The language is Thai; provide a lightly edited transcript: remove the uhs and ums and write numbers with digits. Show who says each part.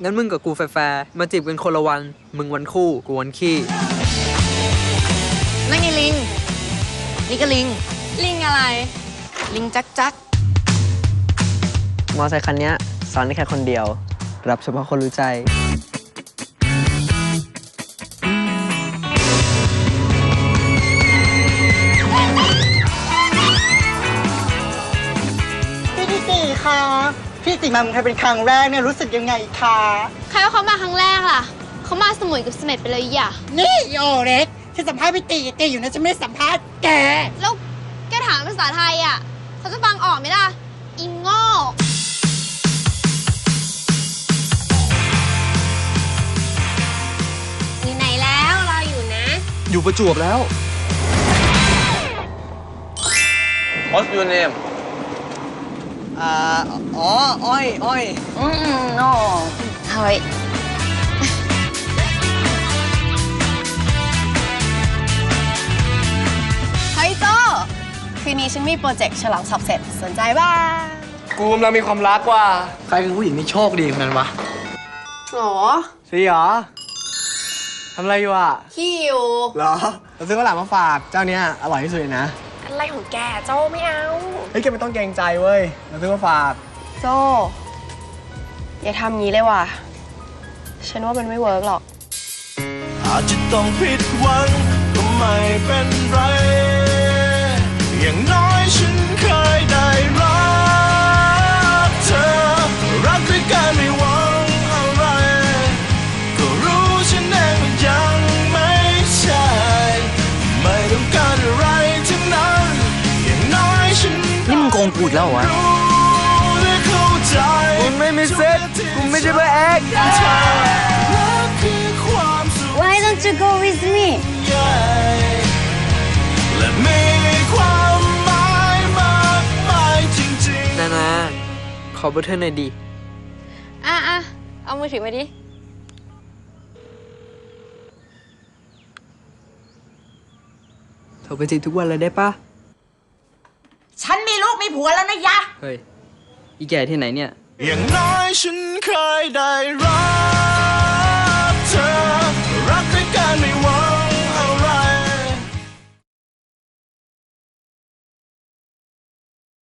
Speaker 1: งั้นมึงกับกูแฟร์มาจีบกันคนละวันมึงวันคู่กูวันขี้
Speaker 2: นั่นไงลิงนี่ก็ลิง
Speaker 3: ลิงอะไร
Speaker 2: ลิงจักจัก
Speaker 1: มอไซค์คันนี้สอนได้แค่คนเดียวรับเฉพาะคนรู้ใจ
Speaker 4: พี่ติคะพี่ติมาเมืองไทยเป็นครั้งแรกเนี่ยรู้สึกยังไงคะ
Speaker 3: ใครว่าเขามาครั้งแรกล่ะเขามาสมุยกับเสม็ดไปเลยอย่า
Speaker 4: นี่โอเล็กที่สัมภาษณ์พี่ติอยู่นะฉันไม่ได้สัมภาษณ์แก
Speaker 3: แล้วแกถามภาษาไทยอ่ะเขาจะฟังออกไหมล่ะอิงโง่อยู่ไหนแล้วรออยู่นะ
Speaker 1: อยู่ประจวบแล้ว
Speaker 5: What's your name
Speaker 1: อ้อย
Speaker 2: โน่เฮ้ยเฮ้ยโจ้คืนนี้ฉันมีโปรเจกต์ฉลองสอบเสร็จสนใจบ้าง
Speaker 5: กูกำลังมีความรักว่ะ
Speaker 1: ใครคือผู้หญิงที่โชคดีของนั้นวะ
Speaker 2: หรอ
Speaker 1: สิเหรอทำอะไรอยู่อ่ะ
Speaker 2: ขี้อยู่
Speaker 1: เหรอเราซื้อข้าวหลามมาฝากเจ้าเนี้ยอร่อยที่สุดเลยนะ
Speaker 2: อะไรของแกโจ้ไม่เอา
Speaker 1: เฮ้ยแกไม่ต้องเกรงใจเว้ยเราซื้อมาฝาก
Speaker 2: โจ้อย่าทำงี้เลยว่ะฉันว่ามันไม่เวิร์กหรอก
Speaker 6: อาจจะต้องผิดหวังก็ไม่เป็นไรอย่างน้อยฉันเคยได้รักเธอรักด้วยกันไม่หวังอะไรก็รู้ฉันเองว่ายังไม่ใช่ไม่ต้องการอะไรทั้งนั้นอย่างน้อยฉัน
Speaker 1: นี่มึงโกงกูอีกแล้วเหรอวะมึงไม่มีเซ็ตมึงไม่ใช่พระเอก
Speaker 3: Why don't you go with me
Speaker 6: และมีความหมายมากมายจริงๆ
Speaker 1: นาขอเบอร์เธอหน่อยดิ
Speaker 3: เอามือถือมาดิ
Speaker 1: โทรไปจีบทุกวันเลยได้ปะ
Speaker 4: ฉันมีลูกมีผัวแล้วนะยะ
Speaker 1: เฮ้ยอีแก่ที่ไหนเนี่ย
Speaker 6: อย่างน้อยฉันเคยได้รักเธอรักด้วยกันไม่